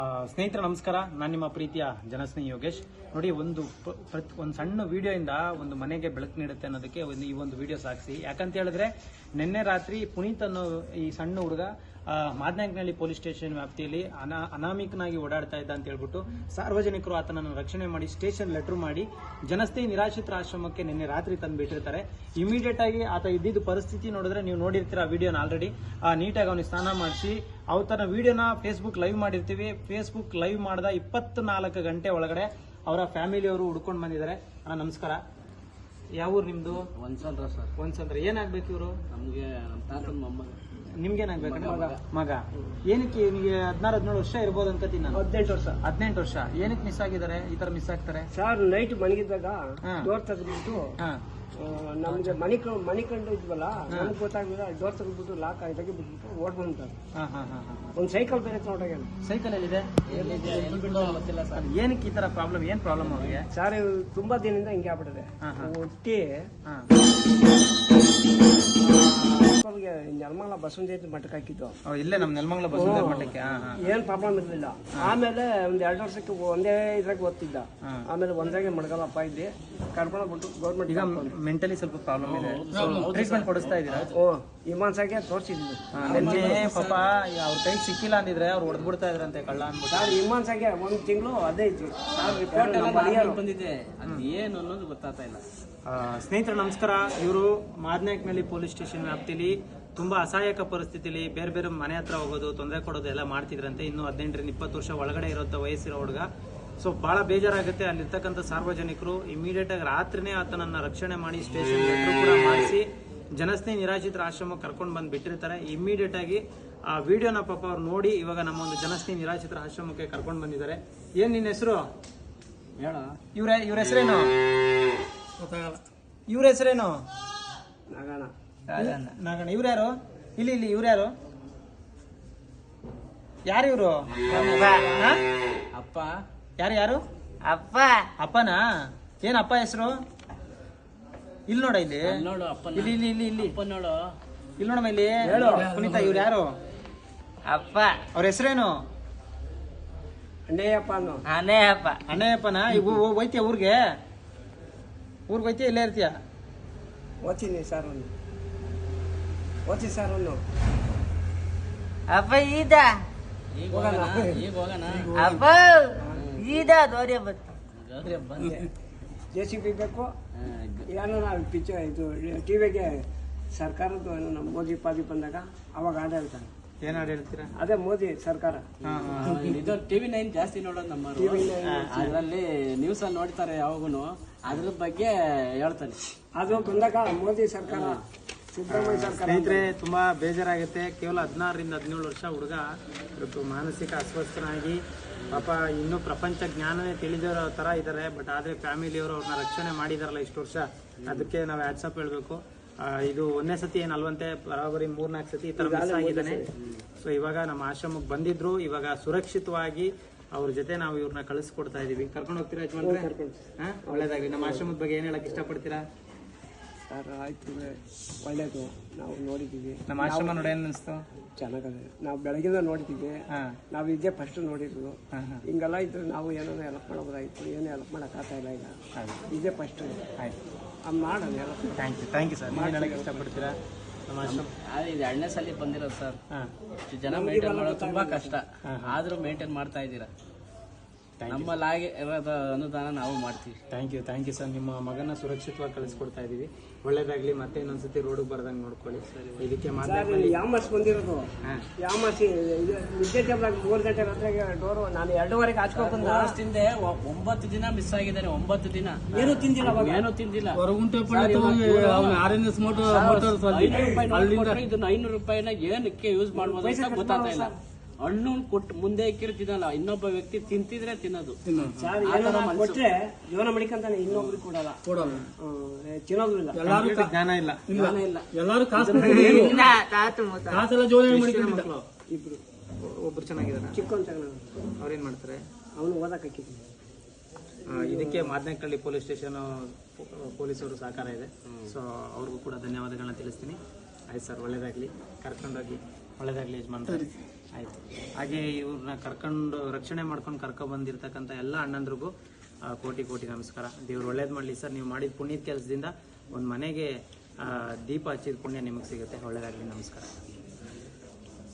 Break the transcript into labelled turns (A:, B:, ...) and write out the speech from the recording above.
A: ಸ್ನೇಹಿತರೆ ನಮಸ್ಕಾರ, ನಾನು ನಿಮ್ಮ ಪ್ರೀತಿಯ ಜನಸ್ನೇಹಿ ಯೋಗೇಶ್. ನೋಡಿ, ಒಂದು ಸಣ್ಣ ವಿಡಿಯೋಯಿಂದ ಒಂದು ಮನೆಗೆ ಬೆಳಕು ನೀಡುತ್ತೆ ಅನ್ನೋದಕ್ಕೆ ಈ ಒಂದು ವಿಡಿಯೋ ಸಾಕ್ಷಿ. ಯಾಕಂತ ಹೇಳಿದ್ರೆ, ನಿನ್ನೆ ರಾತ್ರಿ ಪುನೀತ್ ಅನ್ನೋ ಈ ಸಣ್ಣ ಹುಡುಗ ಮಾದನಾಯಕನಹಳ್ಳಿ ಪೊಲೀಸ್ ಸ್ಟೇಷನ್ ವ್ಯಾಪ್ತಿಯಲ್ಲಿ ಅನಾಮಿಕನಾಗಿ ಓಡಾಡ್ತಾ ಇದ್ದ ಅಂತ ಹೇಳ್ಬಿಟ್ಟು ಸಾರ್ವಜನಿಕರು ಆತನನ್ನು ರಕ್ಷಣೆ ಮಾಡಿ ಸ್ಟೇಷನ್ ಲೆಟರ್ ಮಾಡಿ ಜನಸ್ನೇಹಿ ನಿರಾಶ್ರಿತರ ಆಶ್ರಮಕ್ಕೆ ನಿನ್ನೆ ರಾತ್ರಿ ತಂದು ಬಿಟ್ಟಿರ್ತಾರೆ. ಇಮಿಡಿಯೇಟ್ ಆಗಿ ಆತ ಇದ್ದಿದ್ದು ಪರಿಸ್ಥಿತಿ ನೋಡಿದ್ರೆ ನೀವು ನೋಡಿರ್ತೀರ ವಿಡಿಯೋನ ಆಲ್ರೆಡಿ. ನೀಟಾಗಿ ಅವನಿಗೆ ಸ್ನಾನ ಮಾಡಿಸಿ ಅವತನ ವಿಡಿಯೋನ ಫೇಸ್ಬುಕ್ ಲೈವ್ ಮಾಡಿರ್ತೀವಿ. ಫೇಸ್ಬುಕ್ ಲೈವ್ ಮಾಡಿದ 24 ಗಂಟೆ ಒಳಗಡೆ ಅವರ ಫ್ಯಾಮಿಲಿಯವರು ಹುಡ್ಕೊಂಡು ಬಂದಿದ್ದಾರೆ. ನಮಸ್ಕಾರ. ಯಾವ ಊರು ನಿಮ್ದು?
B: ಒಂದ್ಸಂದ್ರ ಸರ್.
A: ಒಂದ್ಸಂದ್ರ. ಏನಾಗ್ಬೇಕು ಇವರು?
B: ನಮ್ಗೆ ನಮ್ಮ ತಾತನ ಮೊಮ್ಮಗ.
A: ನಿಮ್ಗೇನಾಗ್ಬೇಕು? ಮಗ. ಏನಕ್ಕೆ ನಿಮಗೆ 16-17 ವರ್ಷ ಇರ್ಬೋದು ಅನ್ಕೋತೀನಿ ನಾನು.
B: 18 ವರ್ಷ.
A: 18 ವರ್ಷ. ಏನಕ್ಕೆ ಮಿಸ್ ಆಗಿದ್ದಾರೆ? ಈ ತರ ಮಿಸ್ ಆಗ್ತಾರೆ
B: ಸರ್, ನೈಟ್ ಮಲಗಿದ್ದಾಗ ಡೋರ್ ತೆಗೆದ್ಬಿಟ್ಟು ನಮ್ಗೆ ಮನಿ ಕಂಡು ಇದ್ವಲ್ಲ, ನಮ್ಗೆ ಗೊತ್ತಾಗ್ಲಿಲ್ಲ. ಡೋರ್ ತೆಗೆದ್ಬಿಟ್ಟು ಲಾಕ್ ಆಗಿ ಬಿಟ್ಬಿಟ್ಟು ಓಡ್ಬಂತಾರೆ. ಒಂದು ಸೈಕಲ್ ಬೇರೆ ನೋಡಾಗ.
A: ಸೈಕಲ್ ಎಲ್ಲಿದೆ?
B: ಗೊತ್ತಿಲ್ಲ ಸರ್.
A: ಏನಕ್ಕೆ ಈ ತರ ಪ್ರಾಬ್ಲಮ್? ಏನ್ ಪ್ರಾಬ್ಲಮ್ ಅವ್ರಿಗೆ?
B: ಸರ್, ತುಂಬಾ ದಿನದಿಂದ ಹಿಂಗೆ ಆಗ್ಬಿಟ್ಟಿದೆ. ಒಟ್ಟಿ ನೆಲಮಂಗಲ ಬಸವನ ಮಠಕ್ಕೆ ಹಾಕಿದ್ದು.
A: ಇಲ್ಲೇ ನಮ್ ನೆಲಮಂಗಲ ಬಸವನ ಮಠಕ್ಕೆ
B: ಏನ್ ಪ್ರಾಬ್ಲಮ್ ಇರ್ಲಿಲ್ಲ. ಆಮೇಲೆ ಒಂದ್ 2 ವರ್ಷಕ್ಕೆ ಒಂದೇ ಇದ್ರಾಗ ಓದ್ತಿದ್ದ. ಆಮೇಲೆ ಒಂದ್ರಾಗೆ ಮಡ್ಗಲ್ಲಪ್ಪ ಇದ್ದೆ ಕರ್ಕೊಂಡು ಬಿಟ್ಟು ಗೌರ್ಮೆಂಟ್. ಈಗ
A: ಮೆಂಟಲಿ ಸ್ವಲ್ಪ ಪ್ರಾಬ್ಲಮ್ ಇದೆ. ಟ್ರೀಟ್ಮೆಂಟ್ ಕೊಡಿಸ್ತಾ ಇದ್ದೀರಾ?
B: ಇಮಾನ್ಸಾಗೆ ತೋರಿಸಿದ್ವಿ.
A: ಪಾಪ ಅವ್ರ ಕೈಗೆ ಸಿಕ್ಕಿಲ್ಲ ಅಂದಿದ್ರೆ ಅವ್ರು ಹೊಡೆದ್ಬಿಡ್ತಾ ಇದ್ರಂತೆ ಕಳ್ಳ ಅನ್ಬಿಟ್ಟು.
B: ಸರ್, ಇಮಾನ್ಸಾಗೆ 1 ತಿಂಗಳು ಅದೇ ಇತ್ತು. ಬಂದಿದೆ, ಅದು ಏನು ಅನ್ನೋದು ಗೊತ್ತಾಗ್ತಾ ಇಲ್ಲ.
A: ಸ್ನೇಹಿತರೆ ನಮಸ್ಕಾರ. ಇವರು ಮಾದನಾಯಕನಹಳ್ಳಿ ಪೊಲೀಸ್ ಸ್ಟೇಷನ್ ವ್ಯಾಪ್ತಿಲಿ ತುಂಬಾ ಅಸಹಾಯಕ ಪರಿಸ್ಥಿತಿಲಿ ಬೇರೆ ಬೇರೆ ಮನೆ ಹತ್ರ ಹೋಗೋದು, ತೊಂದರೆ ಕೊಡೋದು ಎಲ್ಲ ಮಾಡ್ತಿದ್ರಂತೆ. ಇನ್ನು 18-20 ವರ್ಷ ಒಳಗಡೆ ಇರೋ ವಯಸ್ಸಿರೋ ಹುಡುಗ. ಸೊ ಬಹಳ ಬೇಜಾರಾಗುತ್ತೆ. ಅಲ್ಲಿರ್ತಕ್ಕಂಥ ಸಾರ್ವಜನಿಕರು ಇಮಿಡಿಯೇಟ್ ಆಗಿ ರಾತ್ರಿನೇ ಆತನನ್ನ ರಕ್ಷಣೆ ಮಾಡಿ ಸ್ಟೇಷನ್ ಲೆಟರ್ ಕೂಡ ಮಾಡಿಸಿ ಜನಸ್ನೇಹಿ ನಿರಾಶ್ರಿತರ ಆಶ್ರಮಕ್ಕೆ ಕರ್ಕೊಂಡು ಬಂದು ಬಿಟ್ಟಿರ್ತಾರೆ. ಇಮಿಡಿಯೇಟ್ ಆಗಿ ಆ ವಿಡಿಯೋನ ಪಾಪ ಅವ್ರು ನೋಡಿ ಇವಾಗ ನಮ್ಮ ಒಂದು ಜನಸ್ನೇಹಿ ನಿರಾಶ್ರಿತರ ಆಶ್ರಮಕ್ಕೆ ಕರ್ಕೊಂಡು ಬಂದಿದ್ದಾರೆ. ಏನ್ ನಿನ್ನ ಹೆಸರು? ಇವ್ರ ಹೆಸರೇನು? ಇವ್ರ ಹೆಸರೇನು? ನಾಗಣ್ಣ. ಇವ್ರ್ಯಾರು? ಇಲ್ಲಿ ಇವ್ರ್ಯಾರು? ಯಾರು ಇವ್ರು?
B: ಅಪ್ಪ.
A: ಯಾರು?
B: ಅಪ್ಪ.
A: ಅಪ್ಪನಾ? ಏನ್ ಅಪ್ಪ ಹೆಸರು? ಇಲ್ಲಿ ನೋಡ, ಇಲ್ಲಿ
B: ನೋಡು. ಅಪ್ಪ
A: ಇಲ್ಲಿ
B: ನೋಡು.
A: ಇಲ್ಲಿ ನೋಡಮ್ಮ, ಇಲ್ಲಿ ಪುನೀತ. ಇವ್ರು ಯಾರು?
B: ಅಪ್ಪ.
A: ಅವ್ರ ಹೆಸರೇನು? ಅಣ್ಣಯ್ಯಪ್ಪನ. ಈಗ ಹೋಯ್ತೀಯ ಊರಿಗೆ ಹೋಯ್ತೀಯ? ಇಲ್ಲೇ ಇರ್ತೀಯ?
B: ಓದ್ತೀನಿ ಸರ್. ಒಂದು
C: ಅಪ್ಪ ಈದ ಅಪ್ಪ ಈದ ದೋರ್ಯ
B: ಬಂದೆ. JCB ಬೇಕು. ಏನೋ ನಾವು ಪಿಕ್ಚರ್ ಇದು ಟಿವಿಗೆ ಸರ್ಕಾರದ್ದು ನಮ್ಮ ಮೋದಿ ಪಾದಿ ಬಂದಾಗ ಅವಾಗ ಆಡ ಹೇಳ್ತಾರೆ.
A: ಏನ್ ಹಾಡು ಹೇಳ್ತೀರಾ?
B: ಅದೇ ಮೋದಿ ಸರ್ಕಾರ.
D: ಇದು TV9 ಜಾಸ್ತಿ ನೋಡೋದು ನಮ್ಮ ಅದರಲ್ಲಿ ನ್ಯೂಸ್ ಅಲ್ಲಿ ನೋಡ್ತಾರೆ ಯಾವಾಗೂ. ಅದ್ರ ಬಗ್ಗೆ ಹೇಳ್ತಾರೆ.
B: ಅದು ಬಂದಾಗ ಮೋದಿ ಸರ್ಕಾರ, ಸಿದ್ದರಾಮಯ್ಯ ಸರ್ಕಾರ.
A: ಸ್ನೇಹಿತರೆ ತುಂಬಾ ಬೇಜಾರಾಗುತ್ತೆ. ಕೇವಲ 16-17 ವರ್ಷ ಹುಡುಗ ಇವತ್ತು ಮಾನಸಿಕ ಅಸ್ವಸ್ಥನಾಗಿ ಪಾಪ ಇನ್ನೂ ಪ್ರಪಂಚ ಜ್ಞಾನನೇ ತಿಳಿದಿರೋ ತರ ಇದ್ದಾರೆ. ಬಟ್ ಆದ್ರೆ ಫ್ಯಾಮಿಲಿಯವರು ಅವ್ರನ್ನ ರಕ್ಷಣೆ ಮಾಡಿದಾರಲ್ಲ ಇಷ್ಟು ವರ್ಷ, ಅದಕ್ಕೆ ನಾವು ವಾಟ್ಸಪ್ ಹೇಳ್ಬೇಕು. ಇದು 1ನೇ ಸತಿ ಏನಲ್ವಂತೆ, ಬರೋಬರಿ 3-4 ಸತಿ ಈ ತರ ಮಿಸ್ ಆಗಿದ್ದಾನೆ. ಸೊ ಇವಾಗ ನಮ್ಮ ಆಶ್ರಮಕ್ಕೆ ಬಂದಿದ್ರು. ಇವಾಗ ಸುರಕ್ಷಿತವಾಗಿ ಅವ್ರ ಜೊತೆ ನಾವು ಇವ್ರನ್ನ ಕಳಿಸ್ಕೊಡ್ತಾ ಇದೀವಿ. ಕರ್ಕೊಂಡು ಹೋಗ್ತೀರಾ ಯಜಮಾನ್ರೆ? ಒಳ್ಳೇದಾಗ್ಲಿ. ನಮ್ಮ ಆಶ್ರಮದ ಬಗ್ಗೆ ಏನ್ ಹೇಳಕ್ ಇಷ್ಟಪಡ್ತೀರಾ?
B: ಸರ್, ಆಯ್ತು, ಒಳ್ಳೇದು. ನಾವು ನೋಡಿದ್ದೀವಿ.
A: ನಮ್ಮ ಆಶ್ರಮ ನೋಡಿ ಏನ್ ಅನಿಸ್ತು?
B: ಚೆನ್ನಾಗದೆ. ನಾವು ಬೆಳಗಿಂದ ನೋಡಿದ್ದೀವಿ. ನಾವು ಇದೇ ಫಸ್ಟ್ ನೋಡಿದ್ರು. ಹಿಂಗೆಲ್ಲ ಇದ್ರೆ ನಾವು ಏನೋ ಹೆಲ್ಪ್ ಮಾಡೋದಾಯ್ತು. ಏನು ಹೆಲ್ಪ್ ಮಾಡಕ್ ಆಗ್ತಾ ಇಲ್ಲ. ಈಗ ಇದೇ ಫಸ್ಟ್.
A: ಆಯ್ತು,
B: ಮಾಡೋಣ.
A: Thank you sir. ಏನು ಹೇಳಕ್ ಇಷ್ಟಪಡ್ತೀರಾ? ನಮ್ಮ ಆಶ್ರಮ
D: ಇದು 2ನೇ ಸಲ ಬಂದಿರೋದು ಸರ್. ಇಷ್ಟು ಜನ ಮೇಂಟೈನ್ ಮಾಡೋದು ತುಂಬಾ ಕಷ್ಟ. ಆದ್ರೂ ಮೇಂಟೈನ್ ಮಾಡ್ತಾ ಇದ್ದೀರಾ. ನಮ್ಮಲ್ಲಾಗಿ ಇರೋದು ಅನುದಾನ ನಾವು ಮಾಡ್ತೀವಿ.
A: Thank you sir. ನಿಮ್ಮ ಮಗನ ಸುರಕ್ಷಿತವಾಗಿ ಕಳಿಸ್ಕೊಡ್ತಾ ಇದೀವಿ. ಒಳ್ಳೇದಾಗ್ಲಿ. ಮತ್ತೆ ಇನ್ನೊಂದ್ಸತಿ ರೋಡ್ ಬರ್ದಂಗೆ ನೋಡ್ಕೊಳ್ಳಿ. ಇದಕ್ಕೆ
B: ಯಾಮರ್ಸ್ ಬಂದಿರೋದು. ಯಾಮರ್ಸಿ ನಿದ್ದೆ ಟೈಮ್ನಾಗ 3 ಗಂಟೆ ರಾತ್ರಿಗೆ ಡೋರು ನಾನು 2:30ಗೆ ಹಾಚ್ಕೊಂಡು ಬಂದ.
D: 9 ದಿನ ಮಿಸ್ ಆಗಿದ್ದಾನೆ. 9 ದಿನ
B: ಏನು ತಿಂದಿಲ್ಲ.
D: ಏನೂ ತಿಂದಿಲ್ಲ. ಇದನ್ನ 500 ರೂಪಾಯಿನ ಏನಕ್ಕೆ ಯೂಸ್ ಮಾಡ್ಬೋದು ಅಂತ ಗೊತ್ತಾಗ್ತಾ ಇಲ್ಲ. ಹಣ್ಣು ಕೊಟ್ಟು ಮುಂದೆ ಇಕ್ಕಿರ್ತಿದಲ್ಲ, ಇನ್ನೊಬ್ಬ ವ್ಯಕ್ತಿ ತಿಂತಿದ್ರೆ ತಿನ್ನೋದು.
B: ಕೊಟ್ರೆ ಜೀವನ ಮಡಿಕಂತಾನೆ, ಇನ್ನೊಬ್ರಿಗೆ ಕೊಡಲ್ಲ. ತಿನ್ನೋದು ಇಲ್ಲ.
A: ಜ್ಞಾನ ಇಲ್ಲ.
D: ಎಲ್ಲರೂ
B: ಇಬ್ರು.
A: ಒಬ್ರು ಚೆನ್ನಾಗಿದ್ದಾರೆ.
B: ಚಿಕ್ಕವನ್
A: ಅವ್ರೇನ್ ಮಾಡ್ತಾರೆ?
B: ಅವನು ಓದಕ್ ಹಾಕಿದ್ದೀನಿ.
A: ಇದಕ್ಕೆ ಮಾದನಾಯಕನಹಳ್ಳಿ ಪೊಲೀಸ್ ಸ್ಟೇಷನ್ ಪೊಲೀಸರು ಸಹಕಾರ ಇದೆ. ಸೊ ಅವ್ರಿಗೂ ಕೂಡ ಧನ್ಯವಾದಗಳನ್ನ ತಿಳಿಸ್ತೀನಿ. ಆಯ್ತು ಸರ್, ಒಳ್ಳೇದಾಗ್ಲಿ. ಕರ್ಕೊಂಡೋಗಿ ಒಳ್ಳೇದಾಗ್ಲಿ ಯಜಮಾನ್ರೆ. ಆಯ್ತು. ಹಾಗೆ ಇವ್ರನ್ನ ಕರ್ಕೊಂಡು ರಕ್ಷಣೆ ಮಾಡ್ಕೊಂಡು ಕರ್ಕೊಂಡು ಬಂದಿರ್ತಕ್ಕಂಥ ಎಲ್ಲ ಅಣ್ಣಂದ್ರಿಗೂ ಕೋಟಿ ಕೋಟಿ ನಮಸ್ಕಾರ. ದೇವ್ರು ಒಳ್ಳೇದು ಮಾಡಲಿ ಸರ್. ನೀವು ಮಾಡಿದ ಪುಣ್ಯದ ಕೆಲಸದಿಂದ ಒಂದು ಮನೆಗೆ ದೀಪ ಹಚ್ಚಿದ ಪುಣ್ಯ ನಿಮಗೆ ಸಿಗುತ್ತೆ. ಒಳ್ಳೇದಾಗಲಿ. ನಮಸ್ಕಾರ.